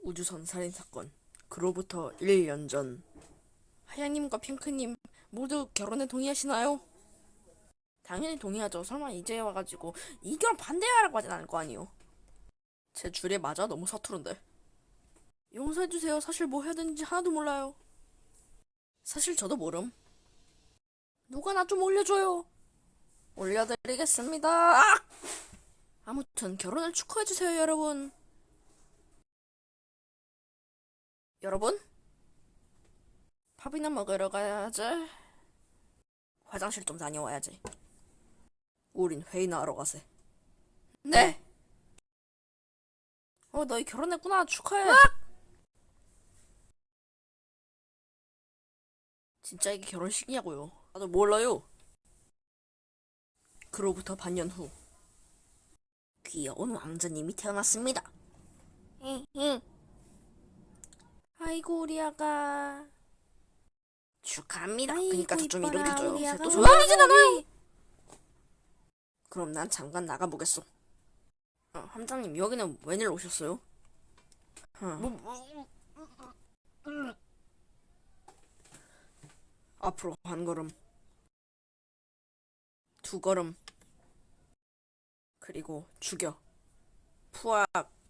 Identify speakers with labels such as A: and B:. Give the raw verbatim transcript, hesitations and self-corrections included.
A: 우주선 살인사건. 그로부터 일 년 전. 하양님과 핑크님 모두 결혼에 동의하시나요? 당연히 동의하죠. 설마 이제 와가지고 이 결혼 반대하라고 하진 않을 거 아니에요. 제 줄에 맞아? 너무 서투른데. 용서해주세요. 사실 뭐 해야 되는지 하나도 몰라요. 사실 저도 모름. 누가 나 좀 올려줘요. 올려드리겠습니다. 아! 아무튼 결혼을 축하해주세요, 여러분. 여러분? 밥이나 먹으러 가야지. 화장실 좀 다녀와야지. 우린 회의나 하러 가세. 네. 어, 너희 결혼했구나. 축하해. 진짜 이게 결혼식이냐고요. 나도 몰라요. 그로부터 반년 후. 귀여운 왕자님이 태어났습니다. 응. 아이고 우리 아가. 축하합니다. 그니까 저 좀 이렇게 줘요. 또 조용히진 않아요. 그럼 난 잠깐 나가보겠어. 어, 함장님 여기는 웬일 오셨어요? 어. 뭐, 뭐, 앞으로 한 걸음, 두 걸음, 그리고 죽여. 푸악.